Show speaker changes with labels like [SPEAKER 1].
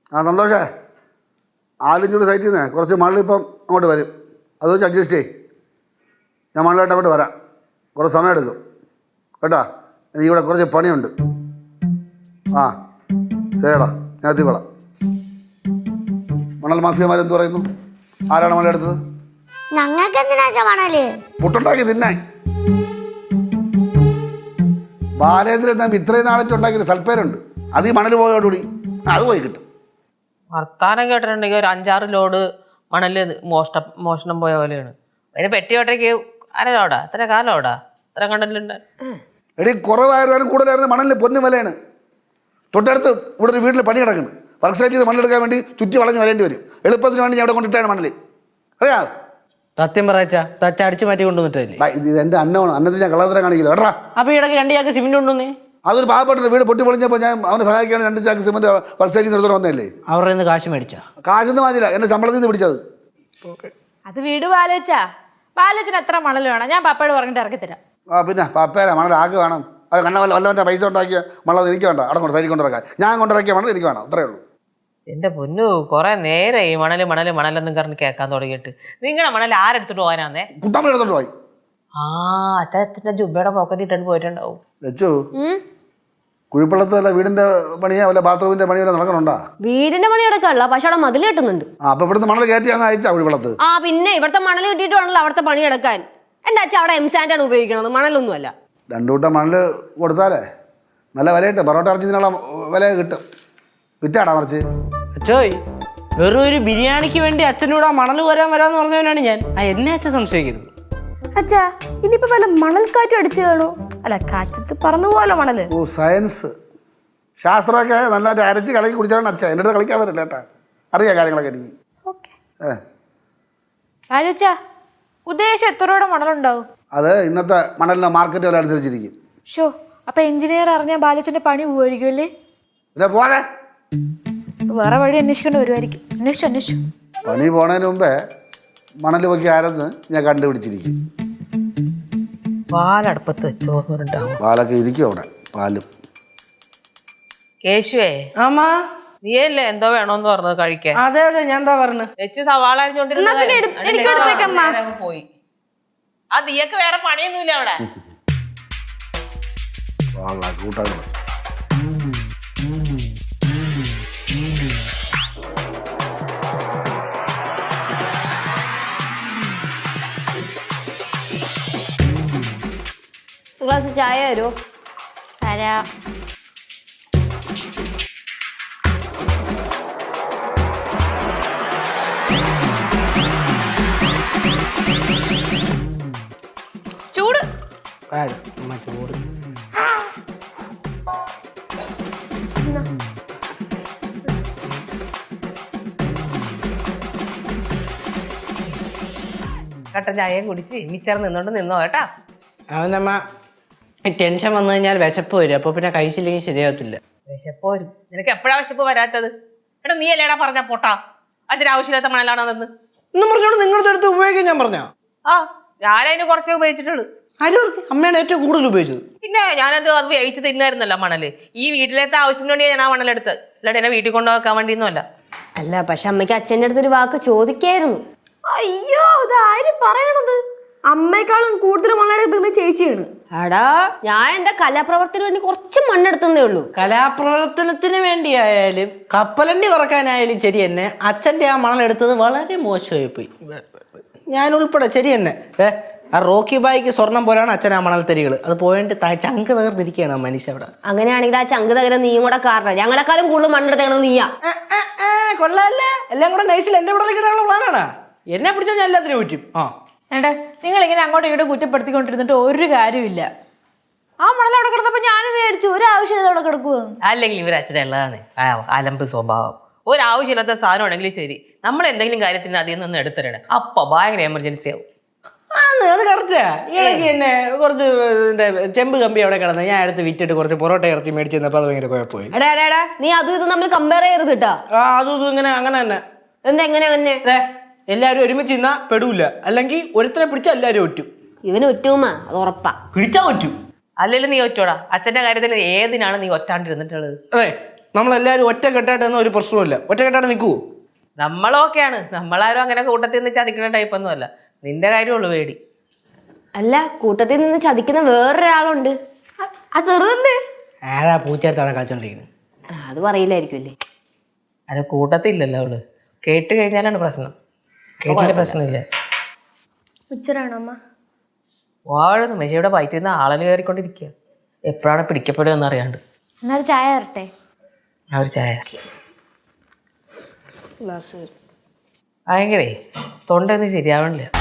[SPEAKER 1] ആ സന്തോഷേ, ആലിഞ്ചൂട് സൈറ്റിൽ നിന്ന് കുറച്ച് മണലിപ്പം അങ്ങോട്ട് വരും. അത് വെച്ച് അഡ്ജസ്റ്റ് ചെയ്യും. ഞാൻ മണലായിട്ട് അങ്ങോട്ട് വരാം. കുറച്ച് സമയം എടുക്കും കേട്ടോ. എനിക്കിവിടെ കുറച്ച് പണിയുണ്ട്. ആ ശരിടാ, ഞാൻ എത്തിക്കോളാം. മണൽ മാഫിയമാരെന്ത് പറയുന്നു? ആരാണ് മണലെടുത്തത്?
[SPEAKER 2] ഞങ്ങൾക്ക് എന്തിനാ മണല്?
[SPEAKER 1] പുട്ടുണ്ടാക്കി തിന്നാൻ. ബാലേന്ദ്രൻ തമ്പി ഇത്രയും നാളായിട്ട് ഉണ്ടാക്കിയൊരു സൽപ്പേരുണ്ട്. അത് ഈ മണൽ പോയോടുകൂടി അത് പോയി കിട്ടും.
[SPEAKER 3] വർത്താനം കേട്ടിട്ടുണ്ടെങ്കിൽ ഒരു 5-6 ലോഡ് മണല് മോഷണം പോയ പോലെയാണ്. അതിന് പെട്ടി ഒട്ടയ്ക്ക് അര ലോടാ, എത്ര കാലോടാ, എത്ര കണ്ടല്ലുണ്ട്.
[SPEAKER 1] എടി കുറവായിരുന്നാലും കൂടുതലായിരുന്നു മണലിന് പൊന്നു വിലയാണ്. തൊട്ടടുത്ത് ഇവിടെ ഒരു വീട്ടിൽ പണി കിടക്കുന്നു. വർക്ക് സൈറ്റിൽ നിന്ന് മണ്ണെടുക്കാൻ വേണ്ടി ചുറ്റി വളഞ്ഞ് വരേണ്ടി വരും. എളുപ്പത്തിന് വേണ്ടി ഞാൻ അവിടെ കൊണ്ടിട്ടാണ് മണൽ. അറിയാ
[SPEAKER 4] സത്യം പറയച്ചാ തച്ച അടിച്ചു മാറ്റി കൊണ്ടുവന്നിട്ടല്ലേ?
[SPEAKER 1] ഇത് എൻ്റെ അന്നമാണ്. അന്നത്തിൽ ഞാൻ കള്ളത്തരം കാണിക്കില്ല കേട്ടാ.
[SPEAKER 4] അപ്പൊ ഇടയ്ക്ക് 2 ചാക്ക് സിമെന്റ് കൊണ്ടുവന്നേ.
[SPEAKER 1] അതൊരു പാവപ്പെട്ട വീട് പൊട്ടി പൊളിഞ്ഞപ്പോൾ ഞാൻ അവനെ സഹായിക്കാൻ 2 ചാക്ക് സിമന്റ് വർക്ക് സൈറ്റിൽ നിർത്തോടെ വന്നതല്ലേ.
[SPEAKER 4] അവരുടെ നിന്ന് കാശ് മേടിച്ചാ?
[SPEAKER 1] കാശൊന്നും വാങ്ങില്ല, എൻ്റെ ശമ്പളത്തിൽ നിന്ന് പിടിച്ചത്.
[SPEAKER 5] അത് വീട് ബാലച്ചന് എത്ര മണൽ വേണം? ഞാൻ പപ്പയോട് പറഞ്ഞിട്ട് ഇറക്കി തരാം.
[SPEAKER 1] ആ പിന്നെ പപ്പേരാ മണൽ ആക്ക് വേണം. അത് വല്ലവൻ്റെ പൈസ ഉണ്ടാക്കിയ മണൽ എനിക്ക് വേണ്ട. അവിടെ കൊണ്ട് സൈറ്റിൽ കൊണ്ടിറക്കാൻ ഞാൻ കൊണ്ടിറക്കിയ മണൽ എനിക്ക് വേണം. അത്രേ ഉള്ളൂ.
[SPEAKER 3] എന്റെ പൊന്നു, കുറെ നേരം ഈ മണലെന്നും പറഞ്ഞ് കേൾക്കാൻ തുടങ്ങിയിട്ട്. നിങ്ങളുടെ മണൽ ആരെടുത്തിട്ട് പോകാനാന്നേ?
[SPEAKER 1] കുട്ടമ്മ എടുത്തോണ്ട് പോയി.
[SPEAKER 3] ആ അച്ഛൻ്റെ ജുബയുടെ പോക്കറ്റ് ഇട്ടിട്ട് പോയിട്ടുണ്ടാവും.
[SPEAKER 1] വെച്ചു കുഴിപ്പള്ളത്തല്ല വീടിന്റെ പണിയാ വല്ല ബാത്റൂമിന്റെ പണി വല്ല നടക്കണുണ്ടാ?
[SPEAKER 6] വീടിന്റെ പണി നടക്കാനുള്ള പക്ഷെ അവിടെ മതിൽ കെട്ടുന്നുണ്ട്.
[SPEAKER 1] അപ്പൊ ഇവിടുന്ന് മണൽ കയറ്റി അങ്ങ് അയച്ചാ കുഴിപ്പള്ളത്ത്?
[SPEAKER 6] ആ പിന്നെ ഇവിടുത്തെ മണൽ കിട്ടിയിട്ട് വേണല്ലോ അവിടുത്തെ പണി എടുക്കാൻ. എന്റെ അച്ഛൻ അവിടെ എംസാൻഡാണ് ഉപയോഗിക്കണത്, മണലൊന്നുമല്ല.
[SPEAKER 1] 2 കൂട്ടം മണൽ കൊടുത്താലേ നല്ല വില കിട്ടും. പൊറോട്ട ഇറച്ചിനുള്ള വില കിട്ടും. വിറ്റാടാ മറിച്ച്.
[SPEAKER 4] അച്ഛോയ്, വെറും ഒരു ബിരിയാണിക്ക് വേണ്ടി അച്ഛനോട് ആ മണൽ വരാന്ന് പറഞ്ഞവനാണ് ഞാൻ. എന്നെ അച്ഛൻ സംശയിക്കരുത്.
[SPEAKER 7] അച്ഛാ ഇനിയിപ്പോ വല്ല മണൽക്കാറ്റ് അടിച്ചു കാണോ? അല്ല, കാറ്റത്ത് പറന്നു പോലോ മണല്.
[SPEAKER 1] ഓ സയൻസ് ശാസ്ത്രമൊക്കെ നന്നായിട്ട് അരച്ച് കലക്കി കുടിച്ചാണ് അച്ഛൻ. എൻ്റെ അടുത്ത് കളിക്കാൻ പറ്റില്ല കേട്ടാ. അറിയാം കാര്യങ്ങളൊക്കെ എനിക്ക്.
[SPEAKER 5] ബാലുച്ചാ, ഉദ്ദേശം എത്ര രൂപയുടെ മണലുണ്ടാവും?
[SPEAKER 1] അത് ഇന്നത്തെ മണലിൻ്റെ മാർക്കറ്റ് വില അനുസരിച്ചിരിക്കും.
[SPEAKER 5] ഷോ, അപ്പൊ എഞ്ചിനീയർ അറിഞ്ഞാൽ ബാലുച്ചന്റെ പണി പോവായിരിക്കും അല്ലേ?
[SPEAKER 1] പിന്നെ പോരെ,
[SPEAKER 5] വേറെ വഴി അന്വേഷിക്കേണ്ടി വരുമായിരിക്കും. അന്വേഷിച്ചു
[SPEAKER 1] പണി പോണതിന് മുമ്പേ മണൽ പൊക്കി ആരെന്ന് ഞാൻ കണ്ടുപിടിച്ചിരിക്കും.
[SPEAKER 3] പാലടുപ്പത്ത് വെച്ചോന്നുണ്ടാവും.
[SPEAKER 1] പാലൊക്കെ ഇരിക്കും അവിടെ. പാലും
[SPEAKER 3] കേശുവേ,
[SPEAKER 4] ആമാ
[SPEAKER 3] നീയല്ലേ എന്തോ വേണോന്ന് പറഞ്ഞത് കഴിക്കാൻ?
[SPEAKER 4] അതെ ഞാൻ എന്താ പറഞ്ഞു?
[SPEAKER 3] വെച്ച് സവാള അരിഞ്ഞോണ്ടിരുന്ന പോയി. ആ നീയൊക്കെ വേറെ പണിയൊന്നുമില്ല അവിടെ.
[SPEAKER 1] കൂട്ടാണ്
[SPEAKER 6] ഗ്ലാസ് ചായ തരുമോ?
[SPEAKER 7] തരാം.
[SPEAKER 5] ചൂട്
[SPEAKER 4] ചൂട്
[SPEAKER 3] കട്ടൻ ചായയും കുടിച്ച് മിച്ചർ നിന്നോ കേട്ടാ.
[SPEAKER 4] അവനമ്മ ടെൻഷൻ വന്നു കഴിഞ്ഞാൽ വിശപ്പ് വരും. അപ്പൊ പിന്നെ കഴിച്ചില്ലെങ്കിൽ ശരിയാവത്തില്ല.
[SPEAKER 3] വിശപ്പ് വരും. നിനക്ക് എപ്പോഴാ വിശപ്പ് വരാത്തത്? എടാ നീ അല്ലേടാ പറഞ്ഞ പോട്ടാ അതിന് ആവശ്യമില്ലാത്ത മണലാണെന്ന്.
[SPEAKER 4] ഇന്നും പറഞ്ഞോണ്ട് നിങ്ങളുടെ അടുത്ത് ഉപയോഗിക്കാൻ ഞാൻ പറഞ്ഞ?
[SPEAKER 3] ആ ഞാനതിന് കുറച്ചേ ഉപയോഗിച്ചിട്ടുള്ളൂ.
[SPEAKER 4] അമ്മയാണ് ഏറ്റവും കൂടുതൽ ഉപയോഗിച്ചത്.
[SPEAKER 3] പിന്നെ ഞാനത് അത് വേവിച്ച് തിന്നായിരുന്നല്ലോ മണല്. ഈ വീട്ടിലത്തെ ആവശ്യത്തിന് വേണ്ടി ഞാൻ ആ മണലെടുത്തത്. അല്ലാണ്ട് എന്നെ വീട്ടിൽ കൊണ്ടുവെക്കാൻ വേണ്ടിയൊന്നും അല്ല.
[SPEAKER 6] അല്ല, പക്ഷെ അമ്മയ്ക്ക് അച്ഛൻ്റെ അടുത്തൊരു വാക്ക് ചോദിക്കായിരുന്നു.
[SPEAKER 7] അയ്യോ, ഇത് ആര് പറയണത്? അമ്മയെക്കാളും കൂടുതൽ മണ്ണെടുക്കുന്നത് ചേച്ചിയാണ്.
[SPEAKER 6] എടാ, ഞാൻ എന്റെ കലാപ്രവർത്തനത്തിന് വേണ്ടി കുറച്ച് മണ്ണെടുത്തതേ ഉള്ളൂ.
[SPEAKER 4] കലാപ്രവർത്തനത്തിന് വേണ്ടിയായാലും കപ്പലണ്ടി പറക്കാനായാലും ശരി തന്നെ അച്ഛൻ്റെ ആ മണലെടുത്തത് വളരെ മോശമായി പോയി. ഞാൻ ഉൾപ്പെടെ ശരി തന്നെ. ആ റോക്കി ബായിക്ക് സ്വർണം പോലെയാണ് അച്ഛൻ ആ മണൽത്തരികൾ. അത് പോയിട്ട് ചങ്ക് തകർന്നിരിക്കുകയാണ് ആ മനുഷ്യ അവിടെ.
[SPEAKER 6] അങ്ങനെയാണെങ്കിൽ ആ ചങ്ക് തകരം നീയും കൂടെ കാരണം. ഞങ്ങളെക്കാളും കൂടുതൽ മണ്ണെടുത്തത് നീയാ.
[SPEAKER 4] കൊള്ളാല്ലേ? എല്ലാം കൂടെ നൈസിൽ എന്റെ ഇവിടെ കിട്ടാനുള്ള പ്ലാനാണ്. എന്നെ പിടിച്ചാൽ ഞാൻ എല്ലാത്തിനും പറ്റും.
[SPEAKER 5] ഏട്ടാ, നിങ്ങൾ ഇങ്ങനെ അങ്ങോട്ടും ഇങ്ങോട്ടും കുറ്റപ്പെടുത്തിക്കൊണ്ടിരുന്നിട്ട് ഒരു കാര്യമില്ല. ആ മണൽ അവിടെ കിടന്നപ്പോ ഞാനും മേടിച്ചു. ഒരു ആവശ്യം അവിടെ കിടക്കുക.
[SPEAKER 3] അല്ലെങ്കിൽ ഇവർ അച്ഛനുള്ളതാണ് അലമ്പ് സ്വഭാവം. ഒരാവശ്യമില്ലാത്ത സാധനം ഉണ്ടെങ്കിലും ശരി, നമ്മൾ എന്തെങ്കിലും കാര്യത്തിന് അതിൽ നിന്ന് എടുത്തിടണം. അപ്പൊ ഭയങ്കര എമർജൻസി ആവും.
[SPEAKER 4] അത് കറക്റ്റാ. ഇടയ്ക്ക് തന്നെ കുറച്ച് ചെമ്പ് കമ്പി അവിടെ കിടന്ന് ഞാൻ അടുത്ത് വിറ്റിട്ട് കുറച്ച് പൊറോട്ട ഇറച്ചി മേടിച്ച് തന്നപ്പോ അത് ഭയങ്കര കുഴപ്പമായി.
[SPEAKER 6] എടാ, നീ അതും ഇതും തമ്മിൽ കമ്പയർ ചെയ്യരുത് കേട്ടാ.
[SPEAKER 4] അതും ഇതും ഇങ്ങനെ അങ്ങനെ തന്നെ.
[SPEAKER 6] എന്താ എങ്ങനെ?
[SPEAKER 4] എല്ലാരും ഒരുമിച്ച് നിന്നാ പെടൂല. അല്ലെങ്കിൽ ഒരുത്തനെ പിടിച്ചാൽ എല്ലാരും ഒറ്റും.
[SPEAKER 6] ഇവന് ഒറ്റുമാ, അത് ഉറപ്പാ.
[SPEAKER 4] പിടിച്ചാ ഒറ്റും.
[SPEAKER 3] അല്ലെങ്കിൽ നീ ഒറ്റോടാ. അച്ഛന്റെ കാര്യത്തിൽ ഏതിനാണ് നീ ഒറ്റാണ്ടിരുന്നിട്ടുള്ളത്?
[SPEAKER 4] അതെ, നമ്മളെല്ലാവരും ഒറ്റക്കെട്ടായിട്ടൊന്നും ഒരു പ്രശ്നമില്ല. ഒറ്റക്കെട്ടായിട്ട് നിൽക്കുവോ?
[SPEAKER 3] നമ്മളൊക്കെയാണ്, നമ്മളാരും അങ്ങനെ കൂട്ടത്തിൽ നിന്ന് ചതിക്കുന്ന ടൈപ്പൊന്നും അല്ല. നിന്റെ കാര്യമുള്ളൂ പേടി.
[SPEAKER 6] അല്ല, കൂട്ടത്തിൽ നിന്ന് ചതിക്കുന്ന വേറൊരാളുണ്ട്.
[SPEAKER 7] ആ ചെറുതെന്തേ?
[SPEAKER 4] ആരാ പൂച്ചെടുത്താണ് കളിച്ചോണ്ടിരിക്കുന്നത്?
[SPEAKER 6] അത് പറയില്ലായിരിക്കും അല്ലേ?
[SPEAKER 3] അത് കൂട്ടത്തില്ലല്ലോ അവള്. കേട്ട് കഴിഞ്ഞാലാണ് പ്രശ്നം. കേട്ടില്ല പ്രശ്നമില്ല.
[SPEAKER 7] ഉച്ചരാണോ അമ്മ?
[SPEAKER 3] വാഴുന്നു മെഷയുടെ വയറ്റിൽ നിന്ന് ആളന് കയറിക്കൊണ്ടിരിക്കുക. എപ്പോഴാണ് പിടിക്കപ്പെടുക എന്നറിയാണ്ട്.
[SPEAKER 2] എന്നാൽ ചായ തരട്ടെ?
[SPEAKER 3] ആ ഒരു ചായ. ഭയങ്കരേ തൊണ്ടയൊന്നും ശരിയാവണില്ല.